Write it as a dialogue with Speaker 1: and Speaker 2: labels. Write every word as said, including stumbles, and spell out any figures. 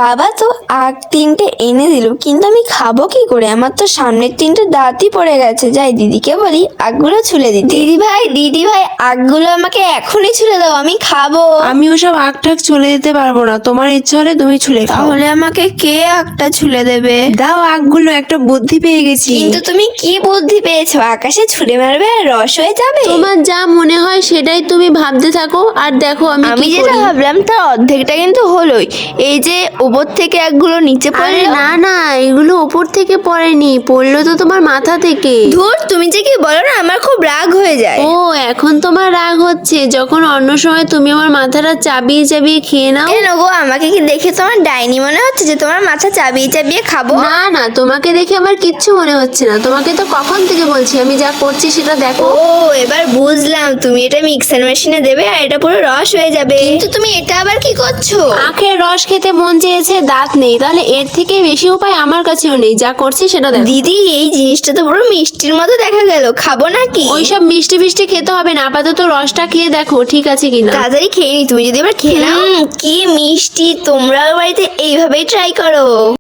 Speaker 1: বাবা তো আগ তিনটে এনে দিল, কিন্তু আমি খাবো কি করে? আমার তো সামনের তিনটে দাঁতই পড়ে গেছে। যাই দিদিকে বলি আগগুলো ছুলে দিতে। দিদি ভাই দিদি ভাই আগগুলো আমাকে এখনই ছুলে দাও, আমি খাবো।
Speaker 2: আমি ওসব আখ ঠাক ছুলে দিতে পারবো না, তোমার ইচ্ছা হলে তুমি ছুলে খাও।
Speaker 1: তাহলে আমাকে কে আগটা ছুলে দেবে?
Speaker 2: দাও আখগুলো, একটা বুদ্ধি পেয়ে গেছি।
Speaker 1: কিন্তু তুমি কি বুদ্ধি পেয়েছো? আকাশে ছুঁড়ে মারবে আর রস হয়ে যাবে?
Speaker 3: তোমার যা মনে হয় সেটাই তুমি ভাবতে থাকো, আর দেখো আমি
Speaker 1: আমি
Speaker 3: কি
Speaker 1: যেটা
Speaker 3: করি।
Speaker 1: ভাবলাম তার অর্ধেকটা কিন্তু হলোই। এই যে উপর থেকে একগুলো নিচে
Speaker 3: আরে
Speaker 1: পড়লো।
Speaker 3: না না, এগুলো উপর থেকে পড়েনি, পড়লো তো তোমার মাথা থেকে।
Speaker 1: ধুর, তুমি যে কি বলো না, আমার খুব রাগ হয়ে যায়।
Speaker 3: ও এখন তোমার রাগ হচ্ছে, যখন অন্য সময় তুমি আমার মাথাটা চাবিয়ে চাবিয়ে খেয়ে নাও।
Speaker 1: কেন গো, আমাকে কি দেখে তোমার ডাইনি মনে হচ্ছে যে তোমার মাথা চাবিয়ে চাবিয়ে খাবো?
Speaker 3: না না, তোমাকে দেখে আমার কিচ্ছু মনে হচ্ছে না। তোমাকে তো কখন থেকে বলছি আমি যা করছি সেটা দেখো।
Speaker 1: ও এবার বুঝলাম, তুমি এটা মিক্সার মেশিনে দেবে আর এটা পুরো রস হয়ে যাবে। কিন্তু তুমি এটা আবার কি করছো?
Speaker 3: আখের রস খেতে মন চেয়েছে, দাঁত নেই, তাহলে এর থেকে বেশি উপায় আমার কাছেও নেই। যা করছি সেটা দেখো।
Speaker 1: দিদি এই জিনিসটা তো পুরো মিষ্টির মতো দেখা গেল, খাবো নাকি?
Speaker 3: ওইসব মিষ্টি মিষ্টি খেতে হবে না, আপাতত রসটা খেয়ে দেখো ঠিক আছে কিনা।
Speaker 1: তাড়াতাড়ি খেয়ে নি, তুমি যদি এবার খেয়ে নাও। কি মিষ্টি! তোমরা বাড়িতে এইভাবেই ট্রাই করো।